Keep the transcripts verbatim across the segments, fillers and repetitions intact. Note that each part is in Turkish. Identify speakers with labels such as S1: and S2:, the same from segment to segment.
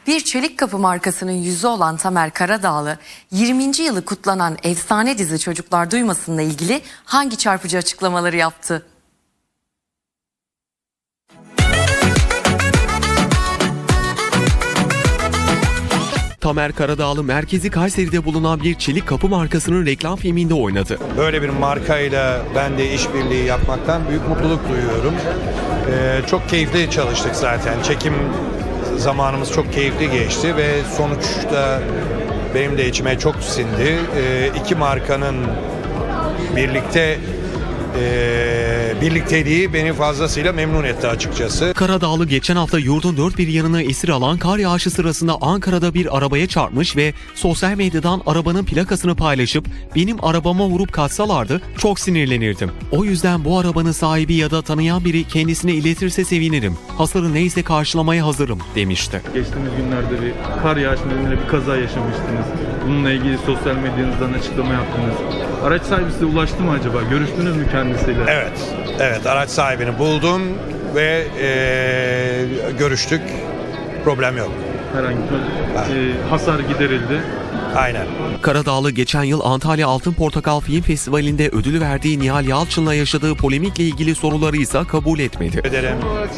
S1: Bir çelik kapı markasının yüzü olan Tamer Karadağlı, yirminci yılı kutlanan efsane dizi Çocuklar Duymasın'la ilgili hangi çarpıcı açıklamaları yaptı?
S2: Tamer Karadağlı merkezi Kayseri'de bulunan bir çelik kapı markasının reklam filminde oynadı.
S3: Böyle bir markayla ben de işbirliği yapmaktan büyük mutluluk duyuyorum. Ee, çok keyifli çalıştık zaten. Çekim zamanımız çok keyifli geçti ve sonuçta benim de içime çok sindi. Ee, iki markanın birlikte e, birlikteliği beni fazlasıyla memnun etti açıkçası.
S2: Karadağlı geçen hafta yurdun dört bir yanını esir alan kar yağışı sırasında Ankara'da bir arabaya çarpmış ve sosyal medyadan arabanın plakasını paylaşıp "Benim arabama vurup kaçsalardı çok sinirlenirdim. O yüzden bu arabanın sahibi ya da tanıyan biri kendisine iletirse sevinirim. Hasarı neyse karşılamaya hazırım" demişti.
S4: Geçtiğimiz günlerde bir kar yağışı nedeniyle bir kaza yaşamıştınız. Bununla ilgili sosyal medyanızdan açıklama yaptınız. Araç sahibi size ulaştı mı acaba? Görüştünüz mü kendisiyle?
S3: Evet, evet araç sahibini buldum ve e, görüştük. Problem yok.
S4: Herhangi bir e, hasar giderildi.
S3: Aynen.
S2: Karadağlı geçen yıl Antalya Altın Portakal Film Festivali'nde ödülü verdiği Nihal Yalçın'la yaşadığı polemikle ilgili soruları ise kabul etmedi.
S3: Ederim.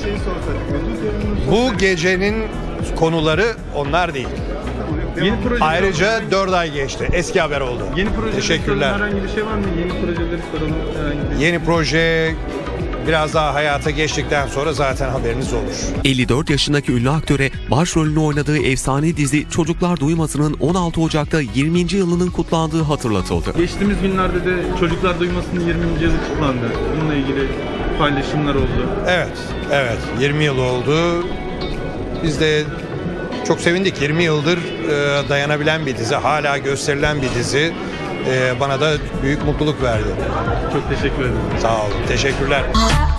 S3: Bu gecenin konuları onlar değil.
S4: Yeni proje
S3: Ayrıca dört ay geçti. Eski haber oldu.
S4: Yeni proje
S3: Teşekkürler.
S4: herhangi bir şey var mı? Yeni projeleri soralım. Herhangi bir...
S3: Yeni proje biraz daha hayata geçtikten sonra zaten haberiniz olur.
S2: elli dört yaşındaki ünlü aktöre başrolünü oynadığı efsane dizi Çocuklar Duymasın'ın on altı Ocak'ta yirminci yılının kutlandığı hatırlatıldı.
S4: Geçtiğimiz günlerde de Çocuklar Duymasın'ın yirminci yılı kutlandı. Bununla ilgili paylaşımlar oldu.
S3: Evet, evet. yirmi yıl oldu. Biz de çok sevindik. yirmi yıldır e, dayanabilen bir dizi, hala gösterilen bir dizi. E, bana da büyük mutluluk verdi.
S4: Çok teşekkür ederim.
S3: Sağ olun. Teşekkürler.